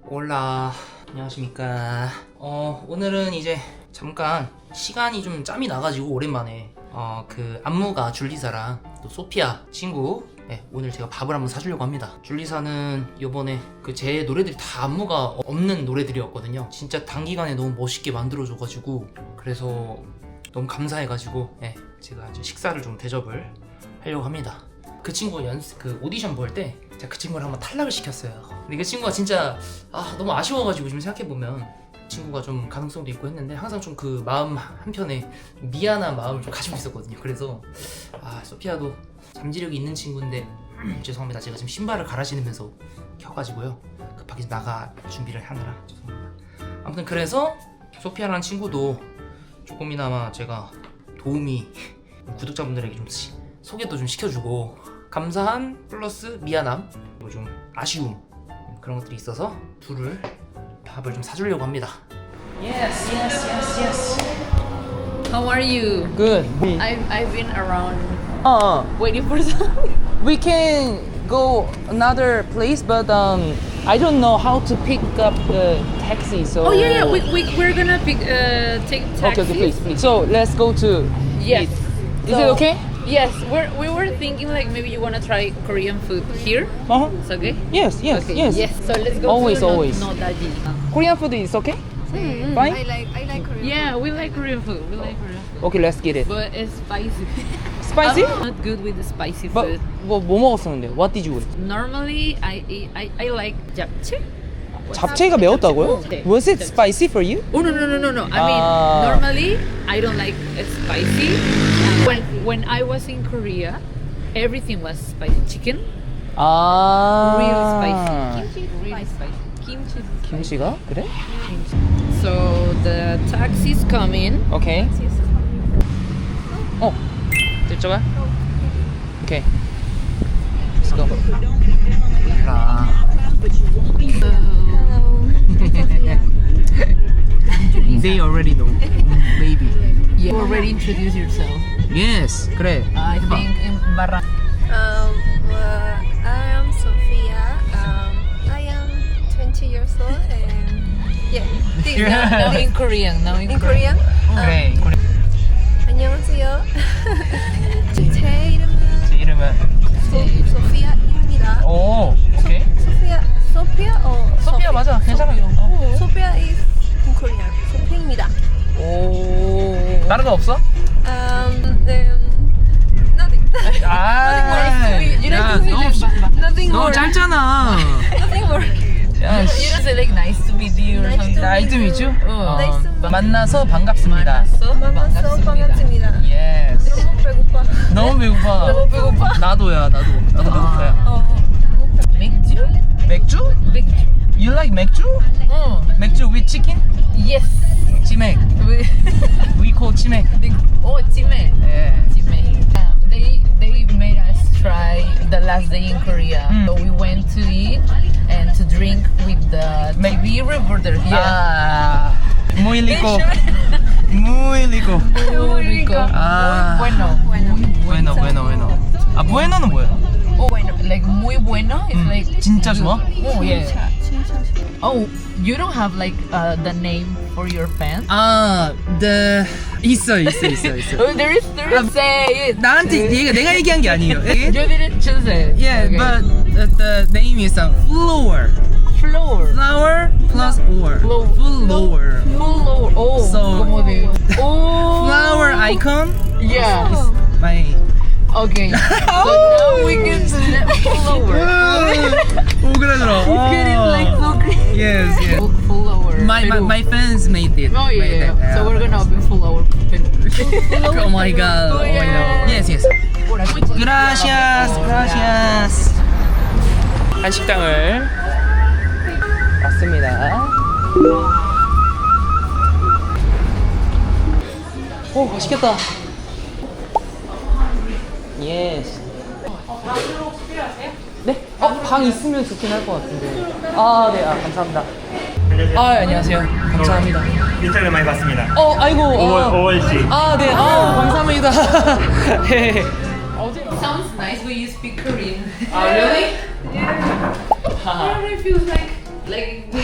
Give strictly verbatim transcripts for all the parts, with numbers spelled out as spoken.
올라, 안녕하십니까. 어 오늘은 이제 잠깐 시간이 좀 짬이 나가지고 오랜만에 어 그 안무가 줄리사랑 또 소피아 친구, 네, 오늘 제가 밥을 한번 사주려고 합니다. 줄리사는 요번에 그 제 노래들이 다 안무가 없는 노래들이었거든요. 진짜 단기간에 너무 멋있게 만들어줘가지고, 그래서 너무 감사해가지고, 네, 제가 이제 식사를 좀 대접을 하려고 합니다. 그 친구 연습 그 오디션 볼 때 제가 그 친구를 한번 탈락을 시켰어요. 근데 그 친구가 진짜 아 너무 아쉬워가지고, 지금 생각해보면 친구가 좀 가능성도 있고 했는데 항상 좀 그 마음 한편에 미안한 마음을 좀 가지고 있었거든요. 그래서 아 소피아도 잠재력이 있는 친구인데 죄송합니다. 제가 지금 신발을 갈아 신으면서 켜가지고요, 급하게 나가 준비를 하느라 죄송합니다. 아무튼 그래서 소피아라는 친구도 조금이나마 제가 도움이 구독자분들에게 좀 소개도 좀 시켜주고, 감사한 플러스 미안함 그리고 좀 아쉬움, 그런 것들이 있어서 둘을 밥을 좀 사주려고 합니다. Yes, yes, yes, yes. How are you? Good. I've, I've been around Uh, waiting for something. we can go another place, but um, I don't know how to pick up the taxi. So. Oh yeah, yeah. We, we we're gonna pick uh take taxi. Okay, okay, please, please. So let's go to. Yes. eat. Is So- it okay? Yes, we're we were thinking like maybe you wanna try Korean food here. Uh huh. It's okay. Yes, yes, Okay. yes. Yes. So let's go. Always, to no, always. Nodaji. Korean food is okay? Mm. Fine? I like I like Korean. Yeah, we like Korean food. We like Korean food. Okay, let's get it. But it's spicy. Spicy? I'm not good with the spicy But food. 뭐, 뭐 먹었었는데? What did you eat? Normally, I eat, I I like japchae. 잡채가 매웠다고요? 네. Was it spicy for you? Oh no no no no no! I mean, Ah. normally I don't like it spicy. When when I was in Korea, everything was spicy. Chicken, 아. real spicy. Really spicy. Kimchi. 김치가? 그래? So the taxi's coming. 오케이. 어. 저쪽아? 오케이. Let's go. 라. They already know. Maybe. You already introduce yourself. Yes. 그래. I think in Barra. Um, well, I am Sophia. Um, I am twenty years old and yeah. This, Now in Korean. Now in, in Korean. 그래. 그래. 안녕하세요. 제 이름은 제 이름은. 소, 소피아입니다. 오. 오케이. 소피아, 소피아 어 소피아 맞아. 괜찮아. 어. 소피아 is in Korean. 소피아입니다. 오. 다른 거 없어? Um, um, nothing. 아. You 야, don't 너무 say Nothing 너무 more. 짧잖아. Nothing more. 야, You don't say like nice to meet you or Nice something. to 나이트 미주? 어. Nice to meet 만나서 반갑습니다. 만나서 만나서 반갑습니다. 예스. 너무 배고파. 너무 배고파. 너무 배고파. 나도야, 나도. 나도 배고파요. 어. 맥주? 맥주? 맥주. You like 맥주? 어. 맥주 with chicken? Yes. 치맥. We- We call 치맥. oh, chime. 예. Chime. Uh, they they made us try the last day in Korea. Mm. So we went to eat and to drink with the T V reporter. 아, muy rico. Muy rico. Muy rico. Ah. Muy bueno. Bueno, bueno, bueno. 아, bueno는 뭐야? Oh, bueno. Like muy bueno. It's 음, like 진짜 좋아? oh yeah. Oh, you don't have like uh, the name for your fans? 아, the 있어, 있어, 있어, 있어. Oh, there is there is. Say it. 나한테 얘가 내가 얘기한 게 아니에요. You didn't choose it. Yeah, Okay. but the, the name is uh, flower. floor. Flower plus or. Flow. Flower. Full lower. Oh. So- como de. Oh. Flower icon. Yeah. My. Okay. So now we can snap full lower. 오그라들어. Get it like so crazy. Yes, yes. Full, full lower. My, my Peru. my fans made it. Oh yeah, Made yeah. it, So we're gonna open full lower. Oh my god. Oh my god. Yes, yes. Gracias, gracias. 한식당을 왔습니다. 오, 맛있겠다. 예스. 네? 어, 방 있으면 좋긴 할 것 같은데. 아, 네, 아, 감사합니다. 아, 안녕하세요. 감사합니다. 인터뷰 많이 봤습니다. 어, 아이고. 오월, 아, 오월씩. 아, 네, 아, 감사합니다. 네. Sounds nice when you speak Korean. 아, really? I don't know if it was like like we were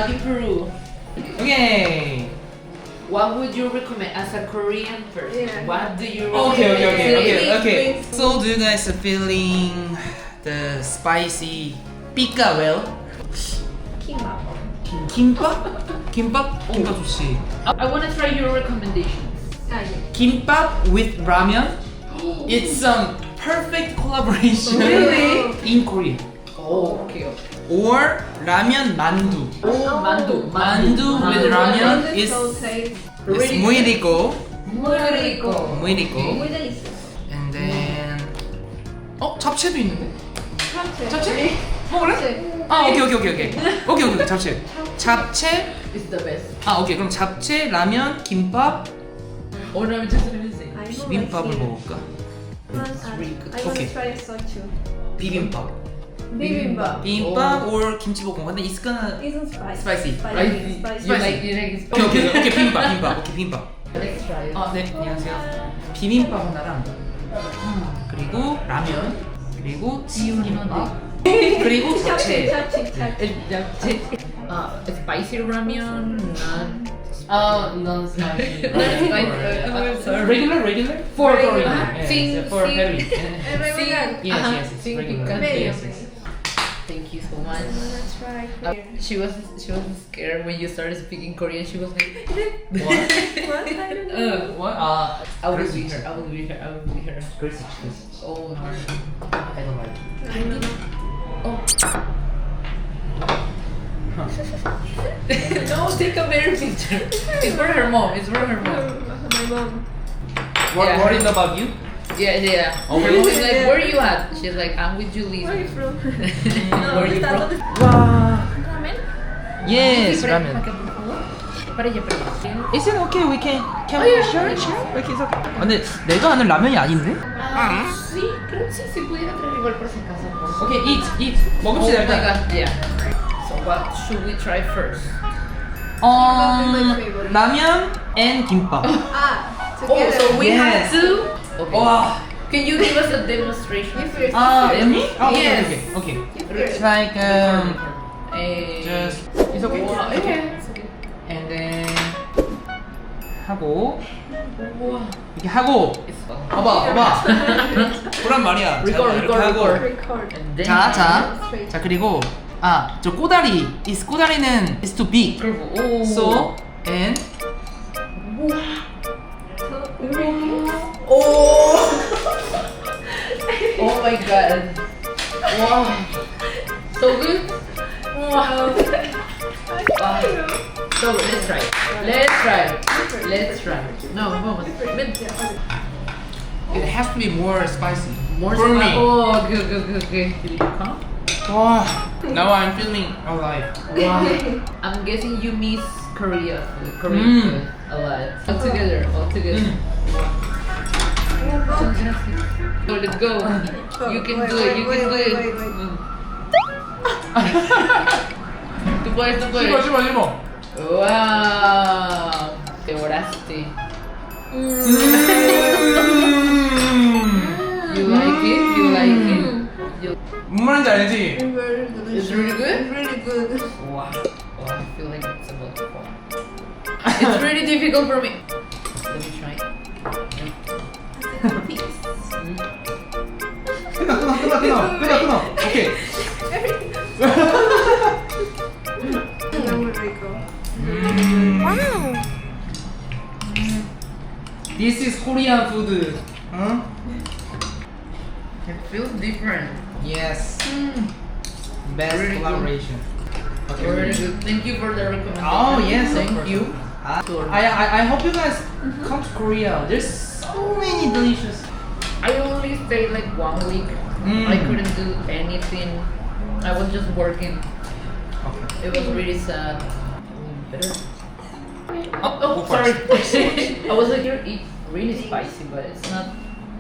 in Peru. Okay. What would you recommend as a Korean person? Yeah. What do you Okay, okay, okay, okay, okay. Please. So, do you guys feeling the spicy pika well? Kimbap. 김밥? 김밥? 김밥 좋지. I, I want to try your recommendations. Ah, yeah. 김밥 with ramen. It's some perfect collaboration Really? in Korea. Oh, okay. Or ramen mandu. Oh, mandu. Mandu with ramen Mandu is so tasty. is muy rico, Muy rico. muy rico. Muy delicious. And then 어 잡채도 있는데? 잡채. 잡채? 먹을래? 잡채. 아 오케이 오케이 오케이 오케이 오케이 오케이 잡채. 잡채. It's the best. 아 오케이 그럼 잡채, 라면, 김밥, Oh, no, I'm just gonna say. I know 비빔밥을 I see. 먹을까? One, really good. I want Okay. to try soju. 비빔밥. Bibimbap. 비빔밥 or 김치볶음. 근데 it's gonna Isn't spicy. Spicy. Spicy. Spicy. You like, you like 오케이 오케이 오케이 비빔밥 비빔밥 오케이 비빔밥. Let's try it. 아 네 안녕하세요. 비빔밥 하나랑 그리고 라면 그리고 비빔밥 그리고 잡채. 잡채. 잡채. Uh, spicy ramen, not 아 non spicy. Uh, sorry. Regular regular for Regular. Korean. Yes, Sing- for sing. Harry. Regular. Yes Uh-huh. yes yes Sing regular. picante. Very Yes okay. yes. Thank you so I much. wanna try Uh, here. she was she was scared when you started speaking Korean. She was like, What? What? I don't know. uh, What? 아 I will 그럴 수 be 있지. her. I will be her. I will be her. 그럴 수 있지. 그럴 수 있지. Oh no. I don't like. I don't know. Oh. No, take a better picture. It's for her mom. It's for her mom. My mom. What Yeah. What is about you? Yeah, yeah. Oh, Her really? mom is like, Yeah. where are you at? She's like, I'm with Julie. Where are you from? Where are you está- from? ¿dónde- 와. Ramen. Yes, Sí, ramen. para- por favor. Para ella, para ella. Is it okay? We can. Can Oh, we yeah, share? yeah. Share? Okay, it's okay. 아, 근데 내가 아는 라면이 아닌데? Ah, sí, creo que sí, se pudiera traer igual por si acaso. por- Okay, eat, eat. Oh 먹읍시다 my 일단. god, yeah. So what should we try first? 어, my favorite. 라면 and 김밥. Ah, Oh, together. so we Yes. have to. Okay. 와. Can you give us a demonstration? If you're- 아, if me? Oh, okay, Yes. okay, okay. you're- It's like um, Eh, just it's okay. Wow, It's okay. okay. And then 하고 Wow. 이렇게 하고 It's fun. 봐봐, 봐봐. 보란 말이야. Record, 자, 이렇게 record, 하고. record. Record. And then 자, 자, Straight. 자 그리고 아, 저 꼬다리. is 꼬다리는 is too big. Curve. Oh. So and Oh. Oh my god. Wow. So good. Wow. Wow. So let's try. Let's try. Let's try. No, vamos. Ven. it has to be more spicy. More for spice. me. Oh, good, good, good, good. Did you come? 와, now I'm feeling alive. Wow. I'm guessing you miss Korea food, Korean Mm. food a lot. All together, all together. So let's go. You can Wait, do it. wait, You wait, can do wait, it. wait, wait. Mm. Tú puedes, tú 씹어, puedes. 씹어, 씹어. Wow. Te oraste. 음. You like it? You like it? You... 뭔 말인지 알지? Very delicious. It's really good? It's really good. Wow. Oh, I feel like it's about to fall. It's really difficult for me. Let me try. 끊어, 끊어, 끊어, 끊어, 끊어, 끊어. 오케이. Muy rico. 음. This is Korean food. 응? It feels different. Yes. Mm. Best Really good. collaboration. Very good. Thank you for the recommendation. Oh yes, of Thank course. you. Ah, I, I I hope you guys come to Korea. There's so many delicious. I only stayed like one week. Mm. I couldn't do anything. I was just working. Okay. It was really sad. Better. Oh, Oh, go sorry. first. I was like, you're eat really spicy, but it's not.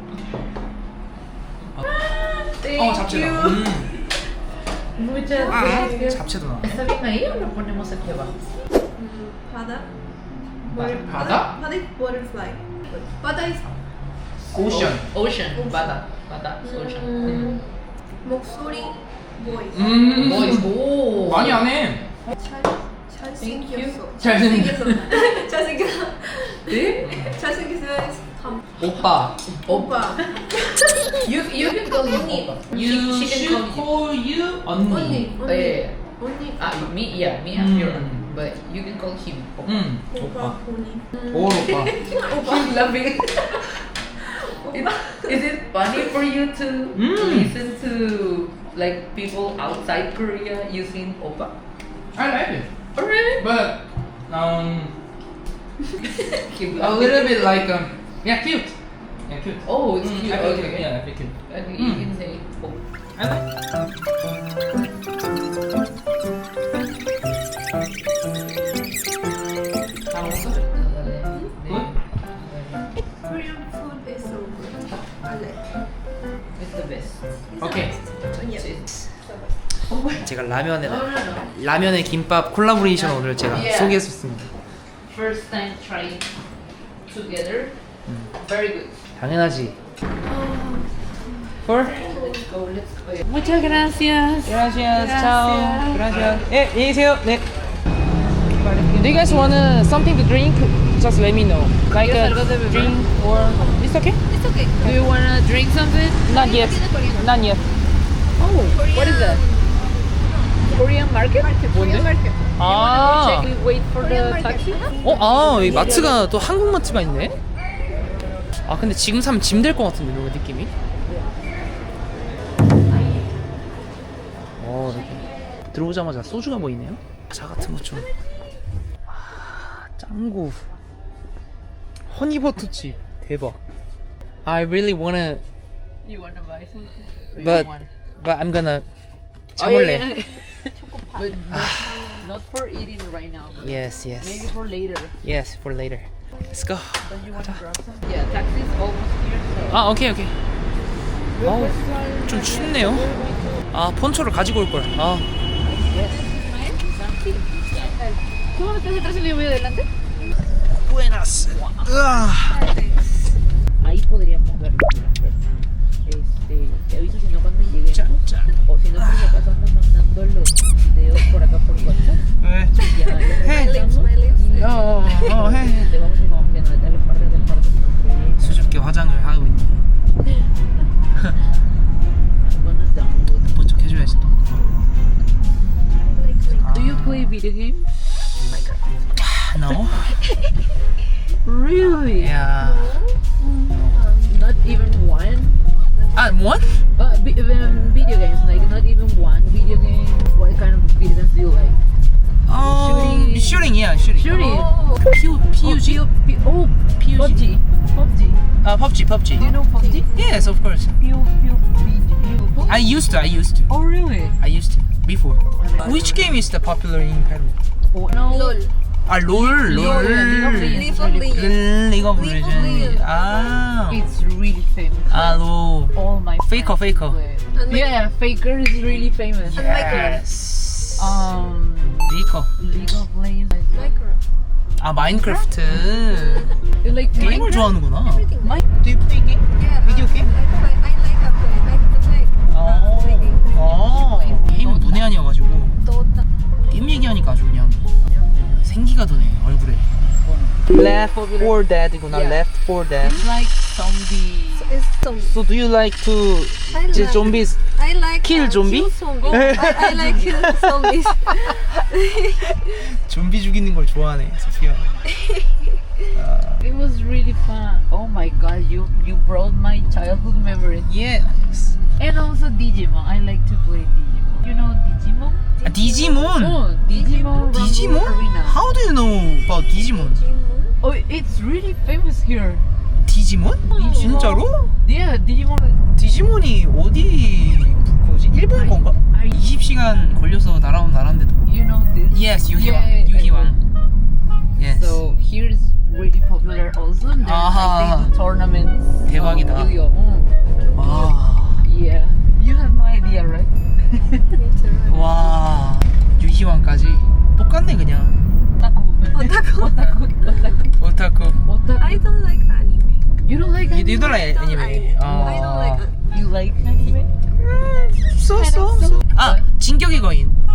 Thank 어 잡채다. you. 음. Muchas gracias. 잡채도 나. ¿Está bien ahí o lo ponemos aquí abajo? Mm, Pada. Butter- Pada? Pada is butterfly. Pada is Ocean. O- Ocean. Bada. Bada. Ocean. mm, 목소리 voice. 음. Boys. Oh. 많이 안 해. 잘, 잘 잘생겼어. 잘생겼어. 잘생겼어. 네? 잘생겼어. 오빠. 오빠. You you can call him Oppa. You she, she can should call you. call you 언니. 언니. Oh, yeah, yeah. 언니. Ah, me, yeah, me, Mm. I'm your aunt, but you can call him Oppa. 응. 오빠. 오빠. 언니. 오 오빠. Keep laughing. Is, is it funny for you to Mm. listen to like people outside Korea using Oppa? I like it. Oh really? But um Keep a laughing. little bit like um yeah cute. Yeah cute. Oh, it's Mm, cute. I feel Okay, cute. okay. Yeah, I feel cute. Okay, Mm. you can say Oppa. I like. 다 먹었어? Good? Korean food is so good. I like. It's the best. 오케이. It's- 제가 라면에 No, no, no. 라면에 김밥 콜라보레이션 오늘 제가 Yeah. 소개했었습니다. First time trying together. Very good. 당연하지. For? Let's go, let's go. Muchas gracias. Gracias. Gracias. Ciao. Gracias. 예, 안녕히 계세요. 네. Do you guys want something to drink? Just let me know. Like ¿Quieres a algo de beber? drink or it's okay? It's okay. Do you wanna drink something? Not yet. Not yet. Oh, what is that? Korean market? Korean market. 아. Check, we wait for Korean the market. taxi. 어, 아, 이 마트가 또 한국 마트가 있네. 아, 근데 지금 사면 짐 될 것 같은데, 너무 느낌이. 어, 이렇게 들어오자마자 소주가 보이네요. 자 같은 것 좀. 아, 짱구. 허니버터칩 대박. I really wanna, You wanna buy something? but but I'm gonna Oh, 참을래. yeah, yeah. But not, not for eating right now. But Yes, maybe yes, for later. yes, for later. Let's go. Don't you wanna grab some? Yeah, taxi is almost here. So. 아, 오케이, 오케이. 어우, 좀 춥네요. 아, 폰초를 가지고 올 걸. 아, ¿Tú dónde estás atrás y yo voy adelante? buenas. 으아. Ahí podríamos verlo. Este, te aviso si no cuando lleguemos. 짠, 짠. O si no, por si acaso ando mandando los videos por acá por WhatsApp. 왜? Ya, ya My lips, regresamos. my lips. 어, 어, 어, 해. Te vamos a ir como que no darle parte del parte. 수줍게 화장을 하고 있네. I'm gonna download. 본 척 해줘야지 또. Do you play video games? No? Really? Yeah. Not even one? 아, what? Uh, vi- um, video games, like not even one video game. What kind of video games do you like? 어, Shooting. shooting, yeah, shooting. Shooting. 어, P- PUG? Oh, P- oh, P U G? PUBG. PUBG. 아, PUBG, PUBG. Do you know PUBG? Yes, of course. P U B G. I used to, I used to. Oh, really? I used to, before. Which game is the popular in Peru? Oh, no. LOL. 아, 롤, League of 롤. Legends. League of Legends. League of League of Legends. Legends. 아, It's really famous. 아, 너. All my Faker, friends Faker. play. And my- Yeah, Faker is really famous. Yes. Um, 리커. League of Legends. Minecraft. 아, 마인크래프트. You like 게임을 Minecraft? 좋아하는구나. Everything. My- Do you play game? Yeah. Video I- game? I play. I like to play. I like to play. 어. 어. 게임은 문외한이어가지고 Dota. 게임 얘기하니까 아주 그냥 생기가 도네 얼굴에. Left four Dead구나. Yeah. Left four Dead. It's like zombie. It's zombie. So do you like to I 이제 like. zombies? I like Kill uh, zombie? Kill zombie. I, I like kill zombies. 좀비 죽이는 걸 좋아하네, 소피아. It was really fun. Oh my god, you you brought my childhood memories. Yes. And also Digimon. I like to play Digimon. You know Digimon? 아, 디지몬. Oh, Digimon. 디지몬? Rumble Arena. How do you know about 디지몬? Oh, it's really famous here. 디지몬? 진짜로? Yeah, Digimon. 디지몬이 어디 거지? 일본 건가? I- 이십 시간 걸려서 날아온 나라인데도. You know this? Yes, 유희왕. Yeah, 유희왕. Yes. So here is really popular also. There's 아하. like they do tournaments. 대박이다. of Yu-Gi-Oh. Mm. 와. Yeah. You have no idea, right? 와. 유희왕까지 똑같네 그냥. Otaku. Otaku. Otaku. 오타쿠. Otaku. I don't like anime. You don't like You, anime? you don't like anime? I don't like anime. You like anime? 쏘쏘 쏘. 아, 진격의 거인.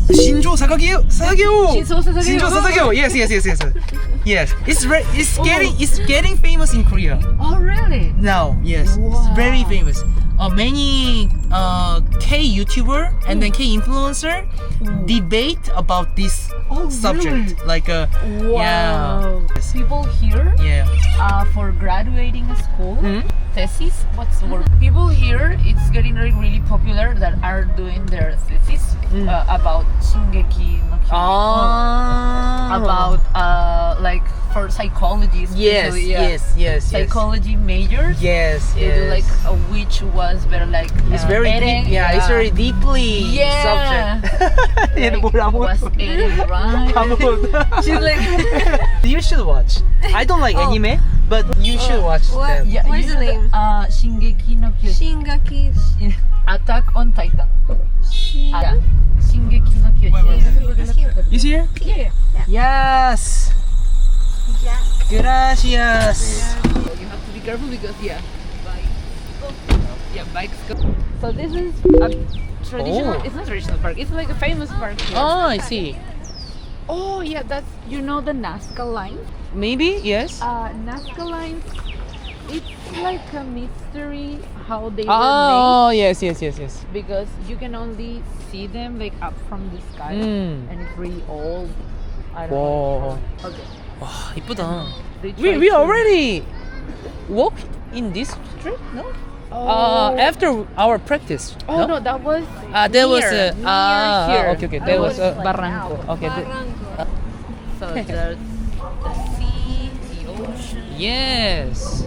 Shinjo Sasageo. Sasageo. Shinjo Sasageo. Shinjo Sasageo. Yes, yes, yes, yes. Yes. It's re- it's getting it's getting famous in Korea Oh, really? now. Yes. Wow. It's very famous. Uh, many uh, K YouTuber and then K influencer debate about this Oh, subject. really? Like uh, Wow. yeah. People here Yeah. uh, for graduating school, Mhm. thesis, what's the word? People here, it's getting really, really popular that are doing their thesis Mm. uh, about Shingeki no Kyojin. Ah. About uh, like for psychology. Yes, especially, yeah. yes, yes, yes. Psychology majors. Yes, They yes. do like uh, which was better like It's uh, very Eren, deep. Yeah, it's very deeply Yeah. subject. Like, 얘는 뭘 was 아무것도 Eren right? 아무것도. She's like You should watch. I don't like Oh. anime, but you should watch What? them. yeah, What's you the should- name? Uh, Shingeki no Kyojin. Shingeki. Attack on Titan. Shin- Yeah. Shingeki no Kyojin. Here. Is here? Yeah. Yes. Yeah. Gracias. You have to be careful because yeah, bikes. Yeah, bikes go. So this is a traditional. Oh. It's not traditional park. It's like a famous park here. Oh, I see. Oh yeah, that's you know the Nazca line. Maybe yes. Uh, Nazca line. It's like a mystery how they were Oh, yes, yes, yes, yes. made because you can only see them like up from the sky Mm. and it's really old. I don't Whoa. know. Okay. 와, 이쁘다. They We try we to- already walked in this street, no? Oh. Uh, after our practice. Oh no, that was Ah, there was near, a near ah, here. okay, okay. There was a Barranco. Okay, good. Barranco. So there's the sea, the ocean. Yes.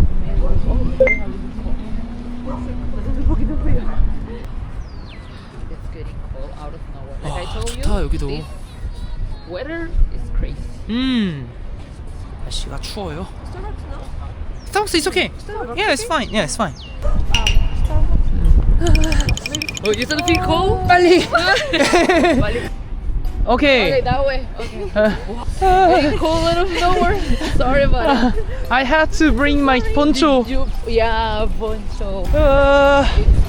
It's getting cold out of nowhere. Like I 아, told 좋다, you, 여기도. this weather is crazy. 음. 날씨가 추워요. Starbucks, it's okay. Yeah, it's fine. Yeah, it's fine. Oh, you still feel cold? 빨리. Okay, Okay. that way. Okay. Getting cold out of nowhere. Sorry about it. I had to bring my poncho. You, yeah, poncho. Uh,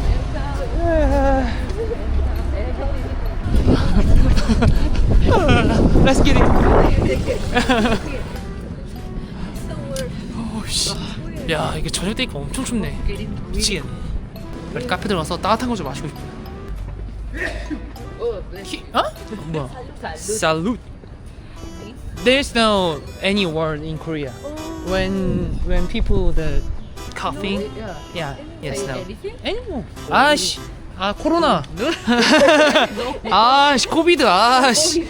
Let's get it. 오씨. 야, 이게 저녁 되니까 엄청 춥네. Getting really 미치겠네. 빨리 카페 들어가서 따뜻한 거 좀 마시고 싶어. oh, bless 히, 어? 뭐야? Salud. Salute. There's no any word in Korea when when people the coughing. Yeah. Yeah. Yes. Say No. anything? Anymore. 아씨. 아 코로나. 아씨 코비드. 아씨.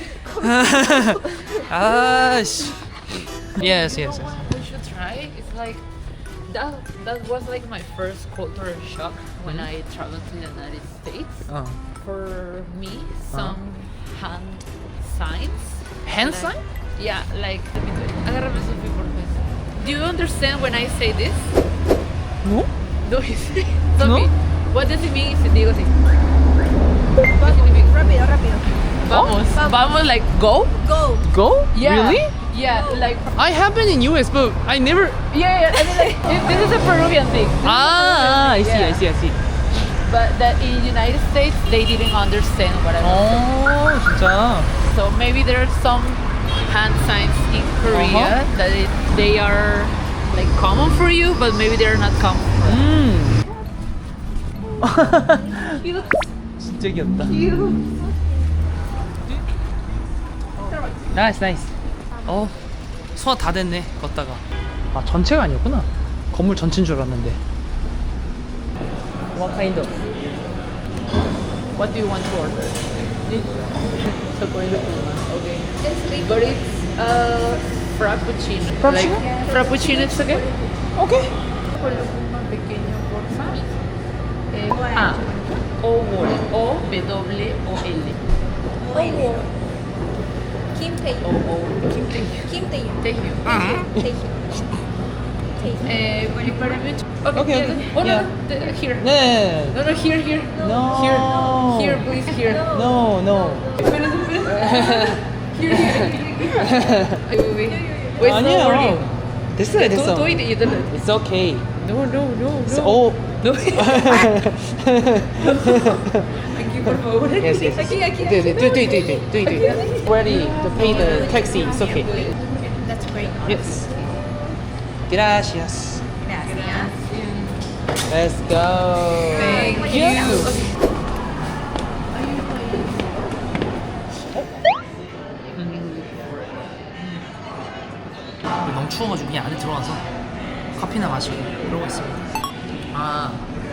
아씨. Yes. Yes. Yes. We should try. It's like that. That was like my first cultural shock when I traveled to the United States. 어. For me, some hand signs. Hand Like- sign? Yeah, like. Let me do it. Agárrame Sophie, por favor. Do you understand when I say this? No? No, Sophie, No? what does it mean si digo así? ¿Qué significa? Rápido, rápido. Vamos, vamos, like go? Go. Go? Yeah. Really? Yeah, like I have been in U S, but I never. yeah, yeah. I mean, like it- this is a Peruvian thing. This is a Ah, I Peruvian see, thing, I see, I see. But that in United States they didn't understand what I was 어, 진짜. saying. So maybe there are some hand signs in Korea Uh-huh. that it, they are like common for you, but maybe they're not common. For us. 음. Cute, 진짜 귀엽다. cute. 나이스, 나이스. 어, 소화 다 됐네. 걷다가. 아, 전체가 아니었구나. 건물 전체인 줄 알았는데. What kind of? What do you want to order? Chocolate okay. But it's uh, frappuccino. Frappuccino? Like, frappuccino, it's okay? Okay. Más pequeño, por favor. Eh, A, O, O, W, O, L. Oh. Kim Tae. O, O, Kim Tae. Kim Tae. Taehyung. Tae. Tae. Eh, will you buy me? Okay, Okay, yeah. okay. Oh, no, Yeah. no, the- here. 네. No, no, here, here. No. Here, here, please, here. No, no. Espera, espera. Here, here. Ay, wait, wait. Wait, it's not working. 됐어요, Tú, 됐어. tú y y tú. It's okay. No, no, no, It's no. all. No. Thank you. por favor. Yes, yes. Aquí, aquí, 네, 네, aquí. 对对对对对对 Ready to pay the taxi. It's okay. That's great. Yes. Gracias. Gracias. Let's go. Thank you. 너무 추워가지고 그냥 안에 들어가서 커피나 마시고 그러고 있습니다. 아,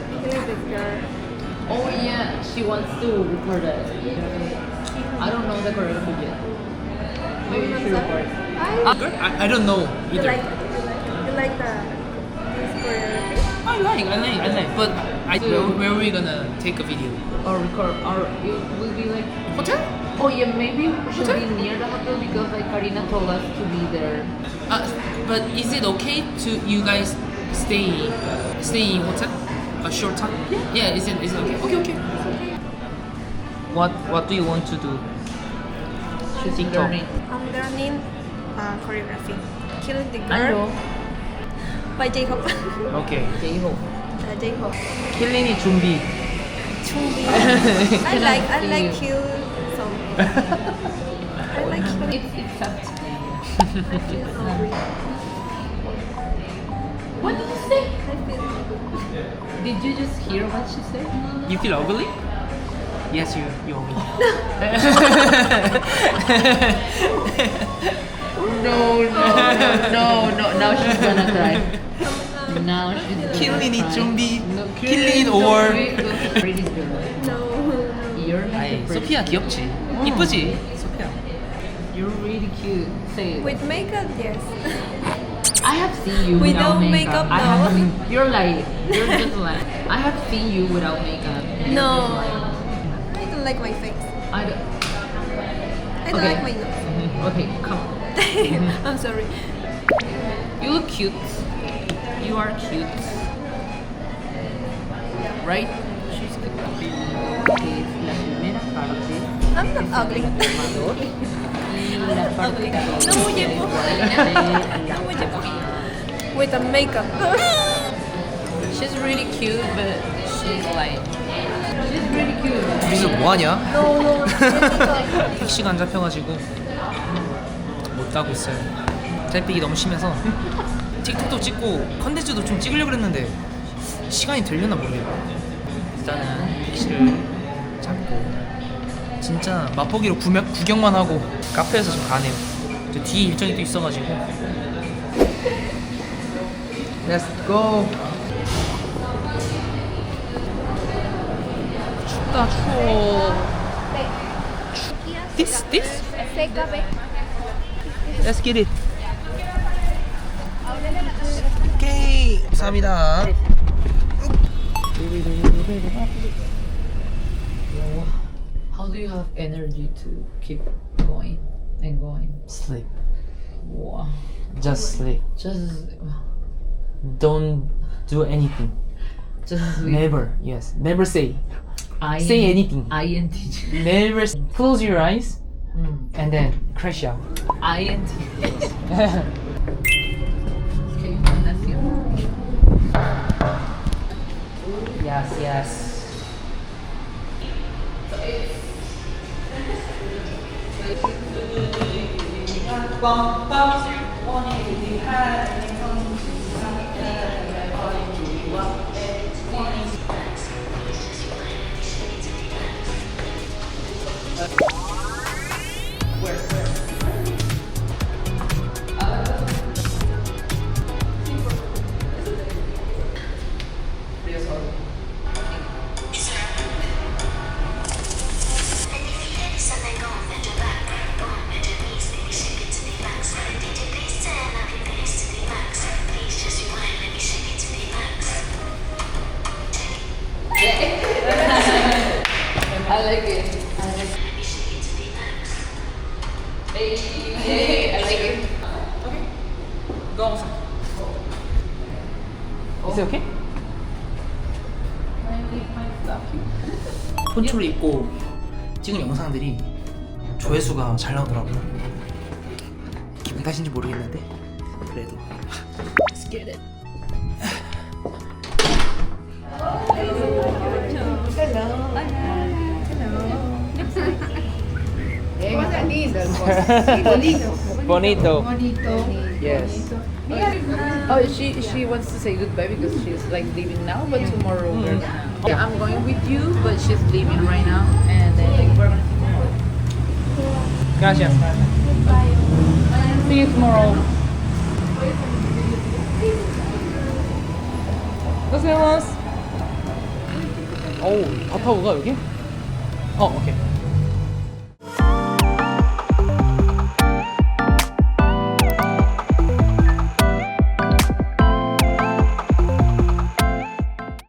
Oh yeah, she wants to record it. I don't know the choreography yet. Maybe you should record it. I, I, I don't know you either. like you like the this choreography? I like, I like, I like. But I, where, where are we gonna take a video? Or record, or it will be like. Hotel? Oh yeah, maybe we should be near the hotel because like Karina told us to be there. Uh, but is it okay to you guys stay stay in hotel a short time? Yeah. Yeah. Is it is it okay? Okay. Okay. What What do you want to do? She's TikTok. learning. I'm learning uh, choreography. Kill the I Girl know. by J-Hope. Okay. J-Hope. uh, J-Hope. 킬린이 준비. Chungbi. I like I See like you. kill song. I like kill. It's it's up to you. I feel hungry. What did you say? I feel hungry. Did you just hear what she said? You feel ugly? Yes, you you ugly. No, no, no, no, no. Now she's gonna cry. Now she's gonna 킬린이 cry. 준비. No, 킬린 don't or- do it. Go pretty girl. No. You're like 아이, a pretty 소피아 귀엽지. 이쁘지? 소피아. You're really cute. Say it. With makeup, yes. I have seen you Without without makeup. makeup, I no. haven't. You're lying. You're just lying. I have seen you without makeup. and you're No. just lying. I don't like my face. I don't. I don't Okay. like my nose. Okay, come. I'm sorry. You look cute. You are cute. Right? She's cute. Es la primera parte. I'm not ugly. Y la parte Ugly. dos No me llevo. de la No me llevo. With the makeup. She's really cute, but she's like. She's really cute. 여기서 뭐 하냐? No, no. 택시가 안 잡혀가지고 못 가고 있어요. 셀픽이 너무 심해서 틱톡도 찍고 컨텐츠도 좀 찍으려고 그랬는데 시간이 되려나 모르겠어요. 일단은 택시를 잡고 진짜 맛보기로 구경, 구경만 하고 카페에서 좀 가네요. 저 뒤에 일정이 또 있어가지고. Let's go. 춥다 추워. This this. Let's get it. 오케이. 감사합니다. How do you have energy to keep going and going? Sleep. Wow. Just sleep. Just. Don't do anything. Just. Never. Yes. Never say. I Say anything. I N T J. Never. Close your eyes Mm. and then crash out. I N T J. Okay, that's you. Yes. Yes. I like it. I like it. Hey, hey, I like it. Go. Is it okay? 폰초를 입고 찍은 영상들이 조회수가 잘 나오더라고요. 기분 탓인지 모르겠는데 그래도 Let's get it. Hello. Cosa linda il posto. Bonito. Bonito. Yes. Oh, she she wants to say goodbye because she's like leaving now, but tomorrow we're gonna. Yeah, I'm going with you, but she's leaving right now, and then we're gonna see tomorrow. Gracias. See you tomorrow. 고생하셨습니다. 어우, 바타오가 여기? 어, 오케이.